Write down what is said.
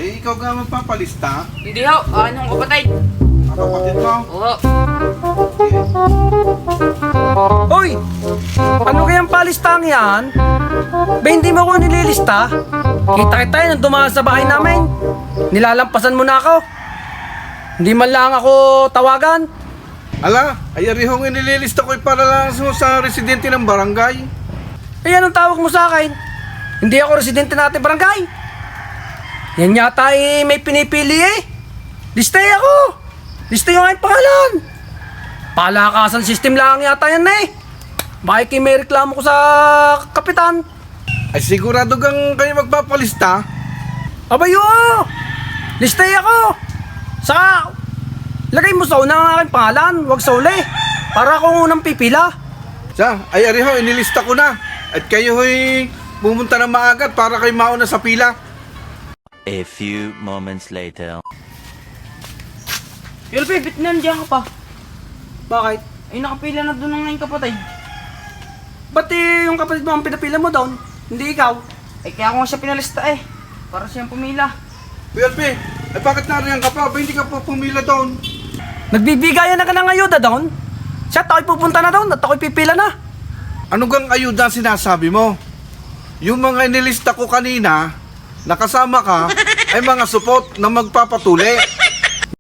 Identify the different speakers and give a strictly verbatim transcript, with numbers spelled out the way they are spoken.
Speaker 1: Eh, ikaw nga magpapalista.
Speaker 2: Hindi ho, akin yung kapatid.
Speaker 1: Ang kapatid mo.
Speaker 2: Oo.
Speaker 3: Hoy! Ano kayang palistang yan? Ba hindi mo ako nililista? Kita kita nung dumaan sa bahay namin. Nilalampasan mo na ako. Hindi man lang ako tawagan.
Speaker 1: Ala, ay arihong inililista ko para lang sa- sa residente ng barangay.
Speaker 3: Eh anong tawag mo sa akin? Hindi ako residente natin barangay. Yan yata eh, may pinipili eh. Listay ako. Listay yung aking pangalan. Palakasan system lang yata yan eh. Bakit may reklamo ko sa kapitan?
Speaker 1: Ay sigurado kang kayo magpapalista.
Speaker 3: Abay oo! Listay ako! Saka, lagay mo sa una ang aking pangalan, wag sa uli. Para akong unang pipila.
Speaker 1: Siya, ay ariho, inilista ko na. At kayo ho'y pumunta na maagat para kayo mauna sa pila.
Speaker 4: A few moments later.
Speaker 2: Yulpe, bit nandiyan ka pa.
Speaker 3: Bakit?
Speaker 2: Ay, nakapila na doon ang ngayong kapatid.
Speaker 3: Ba't eh, yung kapatid mo ang pinapila mo doon? Hindi ikaw.
Speaker 2: Ay, kaya ko nga siya pinalista eh. Para siyang pumila.
Speaker 1: P L P, ay bakit nariyan ka pa? Ba hindi ka pa pumila doon?
Speaker 3: Nagbibigayan na ka ng ayuda doon? Siya, ako'y pupunta na doon at ako'y pipila na.
Speaker 1: Ano gang ayuda sinasabi mo? Yung mga inilista ko kanina, nakasama ka, ay mga supot na magpapatuli.